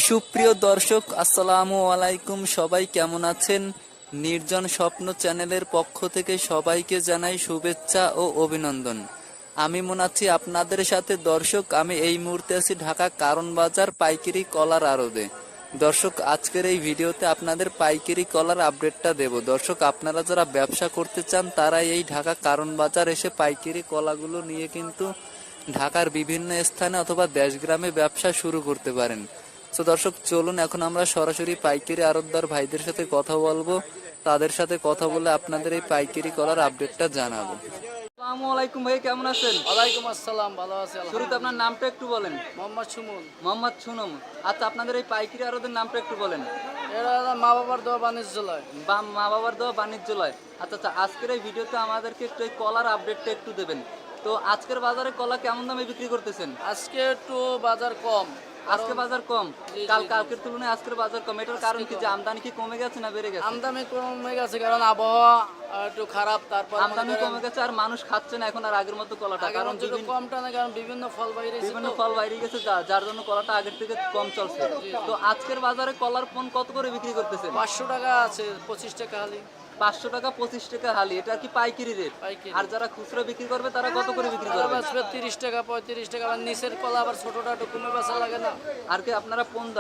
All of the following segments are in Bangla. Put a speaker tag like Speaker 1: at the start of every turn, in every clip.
Speaker 1: সুপ্রিয় দর্শক, আসসালামু আলাইকুম। সবাই কেমন আছেন? নির্জন স্বপ্ন চ্যানেলের পক্ষ থেকে সবাইকে জানাই শুভেচ্ছা ও অভিনন্দন। আমি মনে আছি আপনাদের সাথে। দর্শক, আমি এই মুহূর্তে আছি ঢাকা কারণ বাজার পাইকারি কলার আড়তে। দর্শক, আজকের এই ভিডিওতে আপনাদের পাইকারি কলার আপডেটটা দেব। দর্শক, আপনারা যারা ব্যবসা করতে চান তারা এই ঢাকা কারণ বাজার এসে পাইকারি কলাগুলো নিয়ে কিন্তু ঢাকার বিভিন্ন স্থানে অথবা দেশগ্রামে ব্যবসা শুরু করতে পারেন। তো দর্শক, চলুন এখন আমরা সরাসরি পাইকারি আড়তদার ভাইদের সাথে কথা বলবো। তাদের সাথে কথা বলে আপনাদের এই পাইকারি কলার আপডেটটা জানাবো। আসসালামু আলাইকুম ভাই, কেমন আছেন?
Speaker 2: ওয়ালাইকুম আসসালাম, ভালো আছি।
Speaker 1: শুরুতে আপনার নামটা একটু বলেন।
Speaker 2: মোহাম্মদ সুমন।
Speaker 1: মোহাম্মদ সুনম। আচ্ছা, আপনাদের এই পাইকারি আড়তের নামটা একটু বলেন।
Speaker 2: এরা মা বাবার দোয়া বাণিজ্যালয়।
Speaker 1: বা মা বাবার দেওয়া বাণিজ্যালয়। আচ্ছা, আজকের এই ভিডিওতে আমাদেরকে একটু এই কলার আপডেটটা একটু দেবেন। তো আজকের বাজারে কলা কেমন দামে বিক্রি করতেছেন?
Speaker 2: আজকে একটু বাজার কম।
Speaker 1: আজকে বাজার কম? কালকের তুলনায় আজকের বাজার কম, এটার কারণ কি? যে আমদানি কি কমে গেছে না বেড়ে গেছে?
Speaker 2: আমদানি কমে গেছে, কারণ আবহাওয়া একটু খারাপ। তারপর
Speaker 1: আমদানি কমে গেছে আর মানুষ খাচ্ছে না এখন আর আগের মতো কলাটা, কারণ
Speaker 2: কমটা না, কারণ বিভিন্ন ফল
Speaker 1: বাইরে গেছে, যার জন্য কলাটা আগের থেকে কম চলছে। তো আজকের বাজারে কলার পণ কত করে বিক্রি করতেছে?
Speaker 2: 500 টাকা আছে, 25 টাকা হালি।
Speaker 1: 500 টাকা 25 টাকা হালি, এটা কি পাইকারি রেট? আর যারা খুচরা বিক্রি করবে তারা কত করে বিক্রি করবে?
Speaker 2: 30 টাকা 35 টাকা। আবার নিচের কলা আবার ছোটটা একটু কমে বেচা লাগে না।
Speaker 1: আর কি আপনারা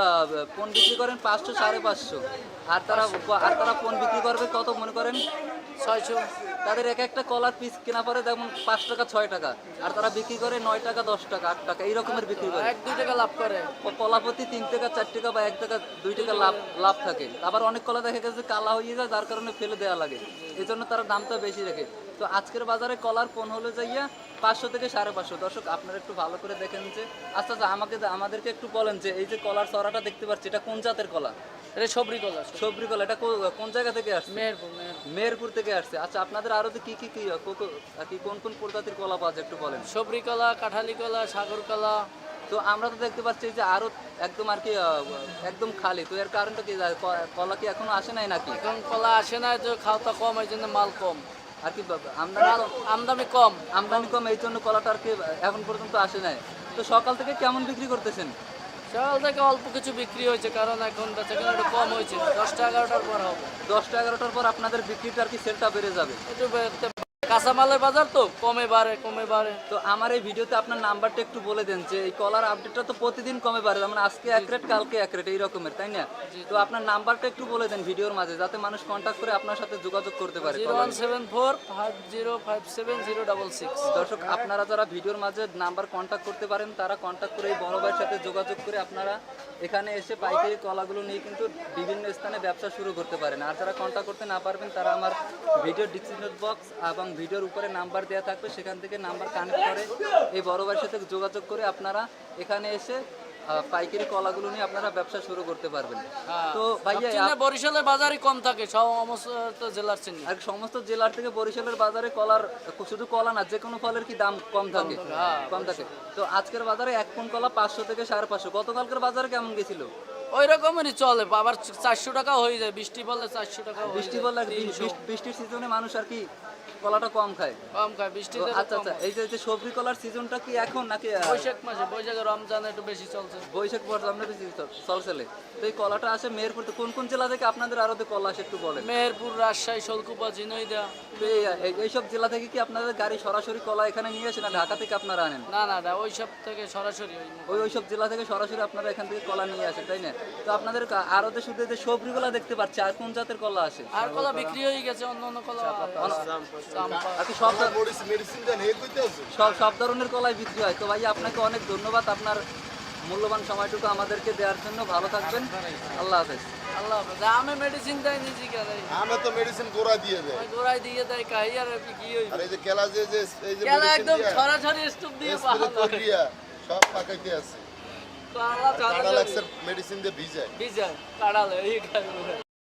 Speaker 1: পণ বিক্রি করেন 500 550, আর তারা পণ বিক্রি করবে কত মনে করেন?
Speaker 2: 600।
Speaker 1: তাদের এক একটা কলার পিস কেনা পরে যেমন 5 টাকা 6 টাকা, আর তারা বিক্রি করে 9 টাকা 10 টাকা 8 টাকা এই রকমের বিক্রি করে।
Speaker 2: 1-2 টাকা লাভ করে।
Speaker 1: কলাপতি 3 টাকা 4 টাকা বা 1 টাকা 2 টাকা লাভ থাকে। আবার অনেক কলা দেখা গেছে কালা হয়ে যায়, যার কারণে ফেলে দেওয়া লাগে, এই জন্য তারা দামটা বেশি রাখে। তো আজকের বাজারে কলার পণ হলে যাইয়া 500 থেকে 550। দর্শক, আপনারা একটু ভালো করে দেখেন যে আচ্ছা আমাদেরকে একটু বলেন যে এই যে কলার চড়াটা দেখতে পাচ্ছি, এটা কোন জাতের কলা?
Speaker 2: এটা সবরি কলা।
Speaker 1: সবরি কলা। এটা কোন জায়গা থেকে আসছে? মেহেরপুর থেকে আসছে। আচ্ছা, আপনাদের আরো কি কোন কোন প্রজাতির কলা পাওয়া যায় একটু বলেন।
Speaker 2: সবরি কলা, কাঁঠালি কলা, সাগর কলা।
Speaker 1: তো আমরা তো দেখতে পাচ্ছি যে আরো একদম আর কি একদম খালি। তো এর কারণটা কি? কলা কি এখনো আসে নাই নাকি?
Speaker 2: এখন কলা আসে না, তো খাওয়া কম, এই জন্য মাল কম
Speaker 1: আর কি
Speaker 2: আমদানি কম।
Speaker 1: আমদানি কম, এই জন্য কলাটা আর কি এখন পর্যন্ত আসে নাই। তো সকাল থেকে কেমন বিক্রি করতেছেন?
Speaker 2: সকাল থেকে অল্প কিছু বিক্রি হয়েছে, কারণ এখন বেচাকেনা একটু কম হয়েছে। 10টা 11টার পর হবে।
Speaker 1: 10টা 11টার পর আপনাদের বিক্রিটা আর কি সেলটা বেড়ে যাবে।
Speaker 2: একটু কাঁচামালের বাজার তো কমে বাড়ে।
Speaker 1: তো আমার এই ভিডিওতে আপনার নাম্বারটা একটু বলে দেন যে এই কলার আপডেটটা তো প্রতিদিন কমে বাড়ে, মানে আজকে এক রেট কালকে এক রেট এই রকমের, তাই না? তো আপনার নাম্বারটা একটু বলে দেন ভিডিওর মাঝে, যাতে মানুষ কন্ট্যাক্ট করে আপনার সাথে যোগাযোগ করতে পারে।
Speaker 2: 01745050066।
Speaker 1: দর্শক, আপনারা যারা ভিডিওর মাঝে নাম্বার কন্ট্যাক্ট করতে পারেন তারা কন্ট্যাক্ট করে এই বড় ভাইয়ের সাথে যোগাযোগ করে আপনারা এখানে এসে পাইকারি কলাগুলো নিয়ে কিন্তু বিভিন্ন স্থানে ব্যবসা শুরু করতে পারেন। আর যারা কন্ট্যাক্ট করতে না পারবেন তারা আমার ভিডিও ডিসক্রিপশন বক্স এবং ভিডিওর উপরে নাম্বার দেওয়া থাকবে, সেখান থেকে নাম্বার কানেক্ট করে এই বড় ভাইয়ের সাথে যোগাযোগ করে আপনারা এখানে এসে পাইকারি কলাগুলো নিয়ে আপনারা ব্যবসা শুরু করতে পারবেন। তো ভাইয়া,
Speaker 2: বরিশালের বাজারই কম থাকে সমস্ত জেলার চেয়ে।
Speaker 1: আর সমস্ত জেলার থেকে বরিশালের বাজারে কলার, শুধু কলা না যে কোনো ফলের কি দাম কম থাকে? তো আজকের বাজারে এক পণ কলা 500 থেকে 550। গতকালকের বাজারে কেমন গেছিল?
Speaker 2: ওই রকমেরই চলে, আবার 400 টাকা হয়ে যায়। বৃষ্টি পড়লে 400 টাকা।
Speaker 1: বৃষ্টির সিজনে মানুষ আর কি কলাটা কম খায়।
Speaker 2: বৃষ্টি।
Speaker 1: আচ্ছা, এই যে সবজি কলার সিজনটা কি এখন নাকি
Speaker 2: বৈশাখ মাসে? বৈশাখে রমজানে একটু বেশি চলছে।
Speaker 1: বৈশাখ রমজানে বেশি চলছে। তো এই কলাটা আসে মেহেরপুর। কোন কোন জেলা থেকে আপনাদের আরো কলা আসে একটু বলেন।
Speaker 2: মেহেরপুর, রাজশাহী, শোলকুপা, ঝিনাইদহ।
Speaker 1: এইসব জেলা থেকে কি আপনাদের গাড়ি সরাসরি কলা এখানে নিয়ে আসে না ঢাকা থেকে আপনারা আনেন?
Speaker 2: না, ওইসব থেকে সরাসরি
Speaker 1: ওইসব জেলা থেকে সরাসরি আপনারা এখান থেকে কলা নিয়ে আসেন, তাই না? তো আপনাদের আরতে শুধু যে সবজি কলা দেখতে পাচ্ছি, আর কোন জাতের কলা আসে?
Speaker 2: আর কলা বিক্রি হয়ে গেছে, অন্য কলা
Speaker 1: আর কি সব ধরনের কলাই বিক্রি হয়। তো ভাই, আপনাকে অনেক ধন্যবাদ আপনার মূল্যবান সময়টুকু আমাদেরকে দেওয়ার জন্য। ভালো থাকবেন। আল্লাহ হাফেজ।
Speaker 2: আমি মেডিসিন দেয় নিজে গেলে।
Speaker 3: আমি তো মেডিসিন গোড়া দিয়ে
Speaker 2: দেয় কাই। আর কি হই?
Speaker 3: আর এই যে কেলা যে এই যে
Speaker 2: কেলা একদম সরাসরি স্টপ দিয়ে
Speaker 3: সব পাকাইতে আছে। কাঁড়া লাগছে মেডিসিন দিয়ে ভিজায়
Speaker 2: কাড়ালে এই